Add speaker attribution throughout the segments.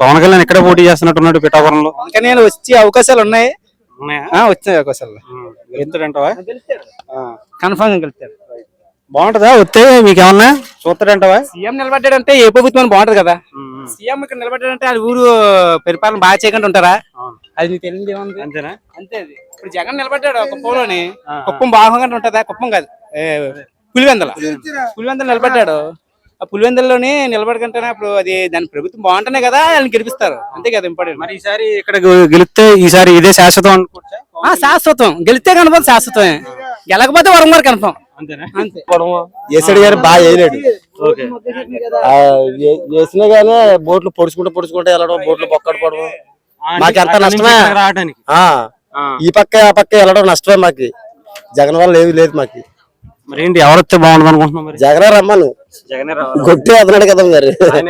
Speaker 1: పవన్ కళ్యాణ్ ఇక్కడ పోటీ చేస్తున్నట్టున్నాడు పిఠాపురంలో.
Speaker 2: అందుకని నేను వచ్చే అవకాశాలు ఉన్నాయి. వచ్చే అవకాశాలు
Speaker 1: గెలుస్తాడంటావా?
Speaker 2: కన్ఫర్మ్ గా గెలుస్తాడు.
Speaker 1: బాగుంటదా వస్తే మీకేమన్నా చూస్తాడంటావా?
Speaker 2: సీఎం నిలబడ్డాడంటే ఏ ప్రభుత్వం బాగుంటది కదా. సీఎం ఇక్కడ నిలబడ్డాడంటే అది ఊరు పరిపాలన బాగా చేయకుండా ఉంటారా? అది నీకు తెలియదు ఏముంది.
Speaker 1: అంతేనా?
Speaker 2: అంతే. అది ఇప్పుడు జగన్ నిలబడ్డాడు కుప్పంలోని. కుప్పం బాగా ఉంటుందా? కుప్పం కాదు, పులివెందల నిలబడ్డాడు. ఆ పులివెందుల్లోనే నిలబడకంటేనే అప్పుడు అది దాని ప్రభుత్వం బాగుంటేనే కదా వాళ్ళని గెలిపిస్తారు. అంతే కదా ఇంపార్టెంట్.
Speaker 1: మరి ఈసారి ఇక్కడ గెలిస్తే ఈసారి ఇదే శాశ్వతం అనుకోవచ్చా?
Speaker 2: శాశ్వతం. గెలిస్తే కన్ఫర్మ్ శాశ్వతమే. గెలకపోతే వరం గారు కన్ఫర్మ్.
Speaker 1: అంతే.
Speaker 3: ఏసడి గారు బాగా వేయలేడు. వేసినా గానీ బోట్లు పొడుచుకుంటే వెళ్ళడం, బోట్లు పొక్కడిపోవడం మాకు ఎంత నష్టమే. ఈ పక్క ఆ పక్క వెళ్ళడం నష్టమే మాకు. జగన్ వల్ల ఏమి లేదు మాకు.
Speaker 1: మరి ఏంటి ఎవరు వస్తే బాగుంటుంది అనుకుంటున్నాం? మరి
Speaker 3: జగనే రమ్మను. గొట్టి అతనాడు కదా మరి.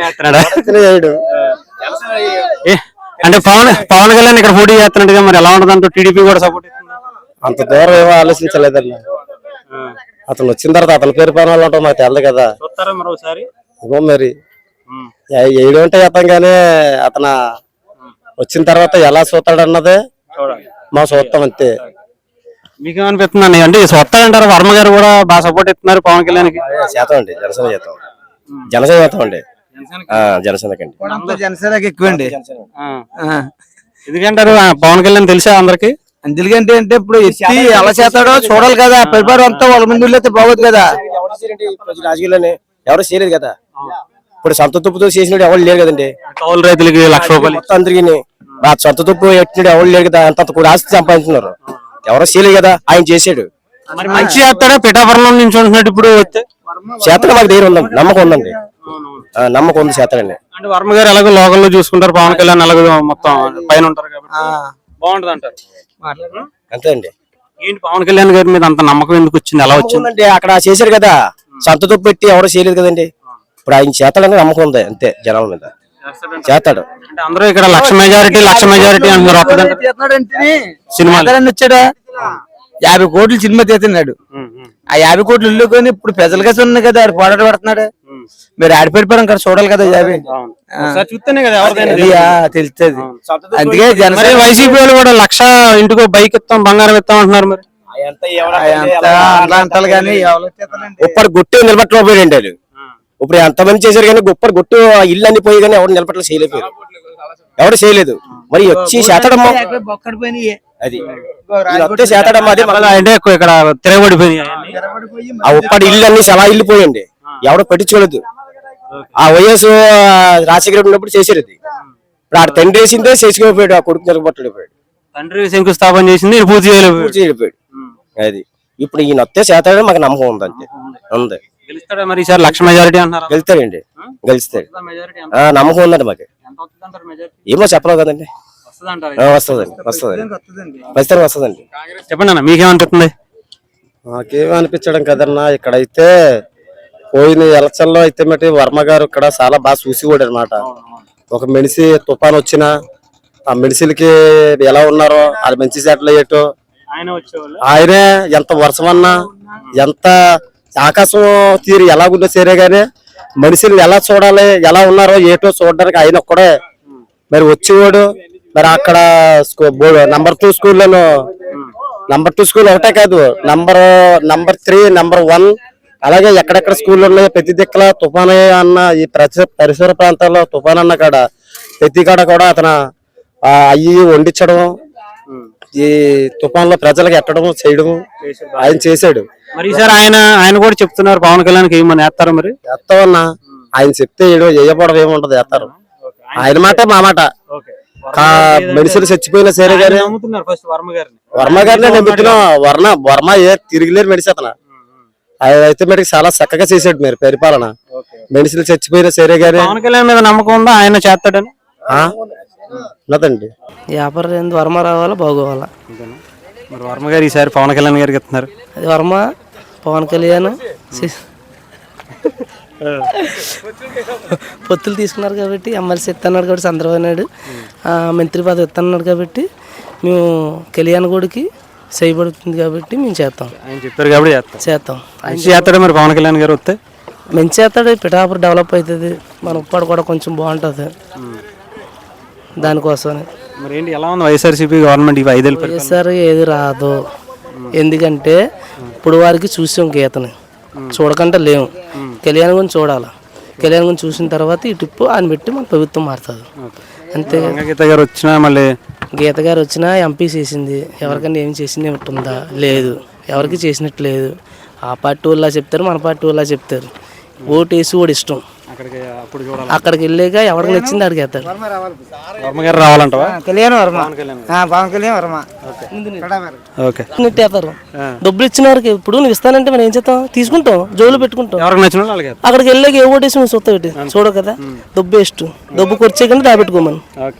Speaker 1: అంటే పవన్ కళ్యాణ్ ఇక్కడ పోటీ చేస్తున్నట్టుగా మరి ఎలా ఉంటుంది అంటూ టీడీపీ కూడా సపోర్ట్
Speaker 3: అంత దూరం ఏమో ఆలోచించలేదన్న. అతను వచ్చిన తర్వాత అతని పేరు పైన వాళ్ళు ఉంటాం మాకు తెలదు కదా. ఇగో మరి ఏడు ఉంటే చేస్తాం కానీ అతను వచ్చిన తర్వాత ఎలా చూస్తాడన్నదే మా చూస్తాం అంతే.
Speaker 1: మీకేమనిపిస్తుంది అంటే వస్తాడంటారు? వర్మ గారు కూడా బాగా సపోర్ట్ ఇస్తున్నారు పవన్ కళ్యాణ్ కి.
Speaker 3: చేస్తాం అండి, జనసేన చేస్తాం. జనసేన చేస్తాం అండి. జనసేనకండి.
Speaker 2: జనసేనకి ఎక్కువ అండి.
Speaker 1: ఎందుకంటారు? పవన్ కళ్యాణ్ తెలుసా అందరికి?
Speaker 2: ఎందుకంటే అంటే ఇప్పుడు ఎత్తి ఎలా చేస్తాడో చూడాలి కదా. పరిపాలన అంతా వాళ్ళ ముందు అయితే బాగోదు కదా.
Speaker 3: రాజకీయాల్లోనే ఎవరు చేయలేదు కదా. ఇప్పుడు సొంత తుప్పుతో చేసినట్టు ఎవరు లేరు కదండి.
Speaker 1: కౌలు రైతులకి 1,00,000 రూపాయలు
Speaker 3: అందరికి సొంత తుప్పు ఎట్టినట్టు ఎవరు లేరు కదా. అంత కూడా ఆస్తి సంపాదించున్నారు. ఎవరో చేయలేదు కదా, ఆయన చేసాడు.
Speaker 1: మంచి చేస్తాడా? పిఠాపురంలో నుంచి ఉంటున్నట్టు ఇప్పుడు వస్తే
Speaker 3: చేస్తాడు. మాకు ధైర్యం ఉందండి, నమ్మకం ఉందండి. నమ్మకం ఉంది చేస్తాడండి.
Speaker 1: అంటే వర్మ గారు ఎలాగో లోకల్లో చూసుకుంటారు, పవన్ కళ్యాణ్ ఎలాగో మొత్తం పైన ఉంటారు కాబట్టి బాగుంటది అంటారు.
Speaker 3: అంతే అండి.
Speaker 1: ఏంటి పవన్ కళ్యాణ్ గారి మీద అంత నమ్మకం ఎందుకు వచ్చింది? ఎలా వచ్చిందండి?
Speaker 3: అక్కడ చేశారు కదా, సొంత తుప్పు పెట్టి ఎవరు చేయలేదు కదండి. ఇప్పుడు ఆయన చేస్తాడని నమ్మకం ఉంది అంతే. జనాల మీద చేస్తాడు.
Speaker 1: అంటే అందరూ ఇక్కడ 1,00,000 మెజారిటీ అంటున్నారు.
Speaker 2: సినిమా వచ్చాడా 50 కోట్లు సినిమా తీస్తున్నాడు. ఆ 50 కోట్లు ఇల్లుకొని ఇప్పుడు ప్రజల కోసం ఉన్నాయి కదా. ఆడు పోరాట పడుతున్నాడు. మీరు ఆడిపెడిపోవడం కదా చూడాలి కదా.
Speaker 1: చూస్తేనే కదా
Speaker 2: తెలుస్తుంది. అందుకే
Speaker 1: వైసీపీ వాళ్ళు కూడా 1,00,000 ఇంటికో బైక్ ఇస్తాం, బంగారం ఇస్తాం అంటున్నారు. మరి
Speaker 2: అంటారు కానీ
Speaker 3: ఉప్పటి గుట్టు నిలబెట్టలేకపోయాడు వాళ్ళు. ఇప్పుడు ఎంతమంది చేశారు కానీ గొప్ప గుట్టు ఇల్లు అన్ని పోయి కానీ ఎవరు నిలబెట్టలు చేయలేకపోయారు. ఎవరు చేయలేదు. మరి వచ్చి చేతడమ్మా అది చేతడమ్మా. అదే
Speaker 1: అంటే ఇక్కడ తిరగబడిపోయి
Speaker 3: ఆ ఉప్పటి ఇల్లు అన్ని చాలా ఇల్లు పోయండి. ఎవడో పెట్టించుకోలేదు. ఆ వైఎస్ రాజశేఖర ఉన్నప్పుడు చేశారు. అది ఇప్పుడు ఆ తండ్రి వేసిందే చేసుకోపోయాడు. ఆ కొడుకు నిలబట్టలేకపోయాడు.
Speaker 1: తండ్రి శంకుస్థాపన చేసింది పూర్తి చేయలేకపోయాడు.
Speaker 3: అది ఇప్పుడు ఈయన వస్తే చేతాడని మాకు నమ్మకం ఉంది అంతే. ఉంది.
Speaker 1: గెలుస్తాడా మరి ఈసారి 1,00,000 మెజారిటీ అంటారు?
Speaker 3: గెలుస్తాడండి, గెలుస్తాడు. నమ్మకం ఉందండి మాకు. ఏమో చెప్పలేవు కదండి. వస్తుందండి, ఖచ్చితంగా వస్తుందండి.
Speaker 1: చెప్పండి అన్న, మీకేమనిపిస్తుంది?
Speaker 3: మాకేమనిపించడం కదన్నా, ఇక్కడైతే పోయిన ఎలక్షన్ లో అయితే మట్టి వర్మ గారు ఇక్కడ చాలా బాగా చూసిపోయాడు అనమాట. ఒక మెడిసి తుఫాన్ వచ్చినా ఆ మెడిసిన్కి ఎలా ఉన్నారో అది మంచి సెటిల్ అయ్యేటో ఆయనే. ఎంత వర్షం అన్నా ఎంత ఆకాశం తీరు ఎలాగుందో సరే గానీ మనుషులు ఎలా చూడాలి, ఎలా ఉన్నారో ఏటో చూడడానికి ఆయన ఒక్కడే మరి వచ్చేవాడు. మరి అక్కడ నంబర్ 2 స్కూల్లోనూ నంబర్ 2 స్కూల్ ఒకటే కాదు, నంబర్ 3, నంబర్ 1 అలాగే ఎక్కడెక్కడ స్కూళ్ళు ఉన్నాయో ప్రతి దిక్కల తుఫాన్ అన్న ఈ పరిసర ప్రాంతాల్లో తుఫాన్ అన్న కాడ ప్రతి కాడ కూడా అతను అయ్యి వండించడం, ఈ తుఫాన్ లో ప్రజలకు ఎట్టడం చేయడం ఆయన చేశాడు.
Speaker 1: మరి ఈసారి ఆయన కూడా చెప్తున్నారు పవన్ కళ్యాణ్ ఏమని వేస్తారు? మరి
Speaker 3: వేస్తామన్నా, ఆయన చెప్తే వేయపడడం ఏముంటది, వేస్తారు. ఆయన మాట మా మాట. మనుషులు చచ్చిపోయినా సరే గానీ వర్మ గారిని నమ్ముతున్నాం. వర్మ తిరిగిలేరు మెడిసి అతను. అయితే మరి చాలా చక్కగా చేశాడు మీరు పరిపాలన. మనుషులు చచ్చిపోయినా సరే గానీ
Speaker 1: పవన్ కళ్యాణ్ మీద నమ్మకం ఉందా ఆయన చేస్తాడని?
Speaker 3: ఉన్నదండి.
Speaker 4: వ్యాపారం వర్మ రావాలా బాగోవాలా.
Speaker 1: మరి వర్మ గారు ఈసారి పవన్ కళ్యాణ్ గారికి ఇస్తున్నారు.
Speaker 4: అది వర్మ పవన్ కళ్యాణ్ పొత్తులు తీసుకున్నారు కాబట్టి ఎమ్మెల్సీ ఇస్తున్నాడు కాబట్టి చంద్రబాబు నాయుడు మంత్రి పదవి ఇస్తున్నాడు కాబట్టి మేము కళ్యాణ్ గుడికి చేయబడుతుంది కాబట్టి మేము చేస్తాం.
Speaker 1: ఆయన చెప్పారు కాబట్టి
Speaker 4: చేస్తాం.
Speaker 1: చేస్తాడు. మరి పవన్ కళ్యాణ్ గారు వస్తే
Speaker 4: మంచి చేస్తాడు. పిఠాపురం డెవలప్ అవుతుంది. మన ఉప్పాడు కూడా కొంచెం బాగుంటుంది. దానికోసమని.
Speaker 1: మరి ఏంటి ఎలా ఉంది వైఎస్ఆర్సీపీ గవర్నమెంట్ ఇవి 5 ఏళ్ళు
Speaker 4: వైఎస్ఆర్ ఏది రాదు, ఎందుకంటే ఇప్పుడు వారికి చూసాం గీతని, చూడకుండా లేము. కళ్యాణ్ గురించి చూడాలి, కళ్యాణ్ గురించి చూసిన తర్వాత ఈ టిప్పు ఆయన పెట్టి మన ప్రభుత్వం మారుతుంది అంతే.
Speaker 1: గీత గారు వచ్చినా మళ్ళీ
Speaker 4: గీత గారు వచ్చినా ఎంపీ చేసింది, ఎవరికైనా ఏం చేసింది ఉంటుందా? లేదు, ఎవరికి చేసినట్టు లేదు. ఆ పార్టీ వాళ్ళ చెప్తారు, మన పార్టీ వాళ్ళ చెప్తారు. ఓటు వేసి ఓడి ఇష్టం, అక్కడికి వెళ్ళాక ఎవరికి నచ్చింది అడిగి వేస్తారు.
Speaker 1: వర్మ గారు రావాలంటవా?
Speaker 2: కళ్యాణ్ వర్మ, పవన్ కళ్యాణ్ వర్మ.
Speaker 1: ఓకే.
Speaker 4: నెట్టేస్తారు డబ్బులు ఇచ్చిన వారికి. ఇప్పుడు నువ్వు ఇస్తానంటే మనం ఏం చేస్తాం? తీసుకుంటాం, జోలు పెట్టుకుంటాం.
Speaker 1: ఎవరికి నచ్చిన వాళ్ళకి
Speaker 4: అక్కడికి వెళ్ళాక ఏ ఓటేసి నువ్వు చూస్తావు, చూడవు కదా. డబ్బు వేస్ట్, డబ్బు ఖర్చే కానీ దాపెట్టుకోమని.